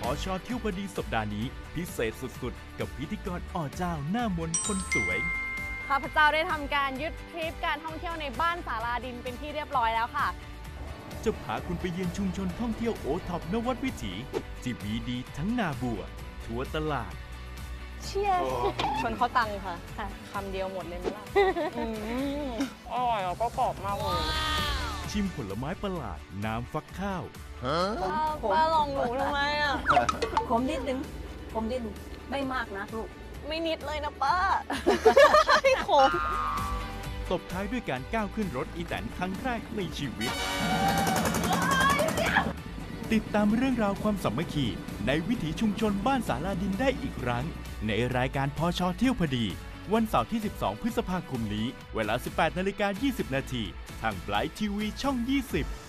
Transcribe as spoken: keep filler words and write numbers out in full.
ชเที่ยวพอดีสัปดาห์นี้พิเศษสุดๆกับพิธีกรอ่อเจ้าหน้ามนต์คนสวยข้าพเจ้าได้ทำการยึดทริปการท่องเที่ยวในบ้านศาลาดินเป็นที่เรียบร้อยแล้วค่ะจะพาคุณไปเยือนชุมชนท่องเที่ยวโอท็อปนวัดวิถีที่มีดีทั้งนาบัวทัวตลาดเชียร์ชนเขาตังค่ะคำเดียวหมดเลยมั้ยล่ะอร่อยแล้วก็กรอบมากเลยชิมผลไม้ประหลาดน้ำฟักข้าวป้าลองหนูทำไมอ่ะขมนิดนึงขมนิดนึงไม่มากนะลูกไม่นิดเลยนะป้าขมตบท้ายด้วยการก้าวขึ้นรถอีแตนครั้งแรกในชีวิตติดตามเรื่องราวความสามัคคีในวิถีชุมชนบ้านศาลาดินได้อีกครั้งในรายการพชเที่ยวพอดีวันเสาร์ที่สิบสองพฤษภาคมนี้เวลา สิบแปดนาฬิกายี่สิบนาทีทางไบรท์ทีวีช่องยี่สิบ